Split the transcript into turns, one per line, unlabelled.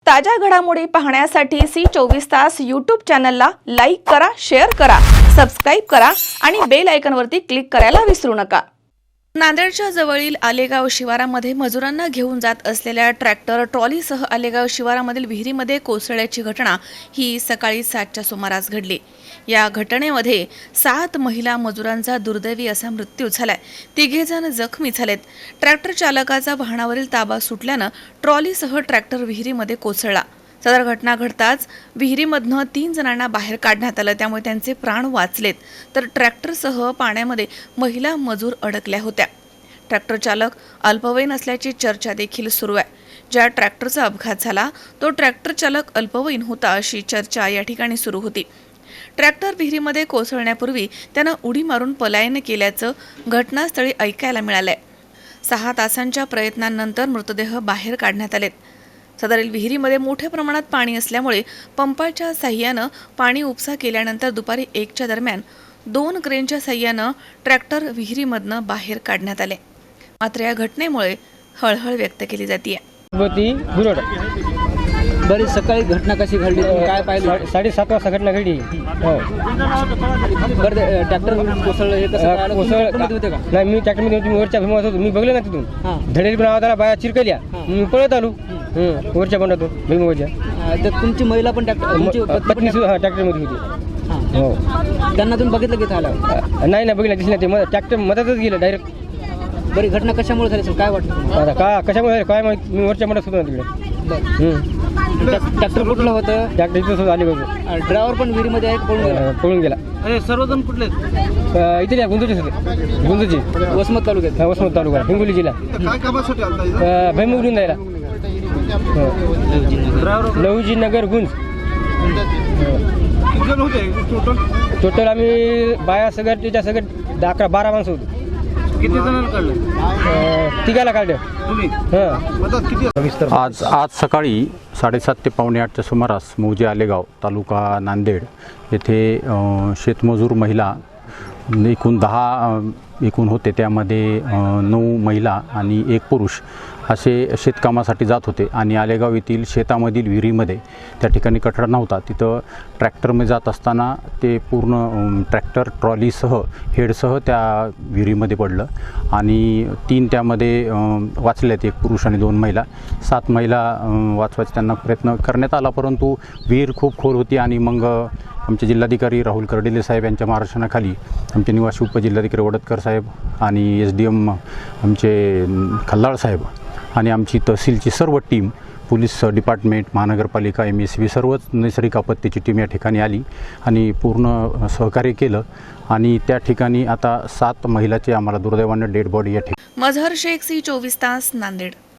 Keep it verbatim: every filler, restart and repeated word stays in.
ताज्या घडामोडी पाहण्यासाठी सी चोवीस तास यूट्यूब चॅनलला लाईक करा, शेअर करा, सबस्क्राईब करा आणि बेल आयकॉनवरती क्लिक करायला विसरू नका। नांदेडच्या जवळील आलेगाव शिवारामध्ये मजुरांना घेऊन जात असलेल्या ट्रॅक्टर ट्रॉलीसह आलेगाव शिवारामधील विहिरीमध्ये कोसळल्याची घटना ही सकाळी सातच्या सुमारास घडली। या घटनेमध्ये सात महिला मजुरांचा दुर्दैवी असा मृत्यू झालाय। तिघे जण जखमी झालेत। ट्रॅक्टर चालकाचा वाहनावरील ताबा सुटल्यानं ट्रॉलीसह ट्रॅक्टर विहिरीमध्ये कोसळला। सदर घटना घडताच विहिरीमधनं तीन जणांना बाहेर काढण्यात आलं, त्यामुळे त्यांचे प्राण वाचलेत, तर ट्रॅक्टरसह पाण्यामध्ये महिला मजूर अडकल्या होत्या। ट्रॅक्टर चालक अल्पवयीन असल्याची चर्चा देखील सुरू आहे। ज्या ट्रॅक्टरचा अपघात झाला तो ट्रॅक्टर चालक अल्पवयीन होता अशी चर्चा या ठिकाणी सुरू होती। ट्रॅक्टर विहिरीमध्ये कोसळण्यापूर्वी त्यानं उडी मारून पलायन केल्याचं घटनास्थळी ऐकायला मिळालंय। सहा तासांच्या प्रयत्नांनंतर मृतदेह बाहेर काढण्यात आलेत। सदरील विहिरीमध्ये मोठ्या प्रमाणात पाणी असल्यामुळे पंपाच्या साह्यानं पाणी उपसा केल्यानंतर दुपारी एकच्या दरम्यान दोन क्रेनच्या साह्यानं ट्रॅक्टर विहिरीमधनं बाहेर काढण्यात आले। मात्र या घटनेमुळे हळहळ व्यक्त केली जाते।
बरी सकाळी घटना कशी घडली, काय पाहिलं?
साडेसात वाजता घटना घडली। हो
बरं, ट्रॅक्टर कोसळलं हे कसं कळालं? ट्रॅक्टरमध्ये होते का?
नाही, मी ट्रॅक्टरमध्ये होतो, मी वरच्या भीमात होतो, मी बघलं ना तिथून धडेल पण आवाज आला, बाया चिरकल्या, मी पळत आलो वरच्या बंडातून भीमावरच्या।
तर तुमची महिला पण ट्रॅक्टर तुमची
पत्नी हा ट्रॅक्टरमध्ये होती। हो,
त्यांना तुम्ही बघितलं की झालं?
नाही ना बघितलं, दिसलं ते ट्रॅक्टर मधातच गेलं डायरेक्ट।
बरी घटना कशामुळे झाली असेल, काय वाटतं?
आता का कशामुळे झालं काय माहिती, मी वरच्या बंडात होतो ना तिकडे।
ट्रॅक्टर कुठलं होतं?
ट्रॅक्टर इथं आले होते।
ड्रायव्हर पण विहिरीमध्ये आहे, पळून गेला?
पळून गेला।
अरे सर्वजण कुठले?
इथे गुंजूचे होते, गुंजूची
वसमत तालुक्यात।
वसमत तालुका हिंगोली जिल्हा।
काय कामासाठी आलता इथं?
भैमुगडून जायला लहुजी नगर गुंज।
किती जण होते टोटल?
टोटल आम्ही बाया सगळं त्याच्या सगळं अकरा बारा माणसं होतो।
किती जणांना काढलं?
तिघाला काढलं
तुम्ही
हां।
मदत किती?
आज आज सकाळी साडेसात ते पावणे आठच्या सुमारास मौजे आलेगाव तालुका नांदेड येथे अ, शेतमजूर महिला एकूण दहा अ, एकूण होते, त्यामध्ये अ, नऊ महिला आणि एक पुरुष असे शेतकामासाठी जात होते आणि आलेगाव येथील शेतामधील विहिरीमध्ये त्या ठिकाणी कठडा नव्हता, तिथं ट्रॅक्टरमध्ये जात असताना ते पूर्ण अ, ट्रॅक्टर ट्रॉलीसह हेडसह त्या विहिरीमध्ये पडलं आणि तीन त्यामध्ये अ, वाचल्यात, एक पुरुष आणि दोन महिला। सात महिला अ, वाचवायचा त्यांना प्रयत्न करण्यात आला, परंतु विहीर खूप खोल होती आणि मग आमचे जिल्हाधिकारी राहुल कर्डिले साहेब यांच्या मार्गदर्शनाखाली आमचे निवासी उपजिल्हाधिकारी वडतकर साहेब आणि एस डी एम आमचे खल्लाळ साहेब आणि आमची तहसीलची सर्व टीम, पोलीस डिपार्टमेंट, महानगरपालिका, एम एस बी, सर्वच नैसर्गिक आपत्तीची टीम या ठिकाणी आली आणि पूर्ण सहकार्य केलं आणि त्या ठिकाणी आता सात महिलाचे आम्हाला दुर्दैवानं डेड बॉडी या ठिकाणी।
मझहर शेख, सी चोवीस तास, नांदेड।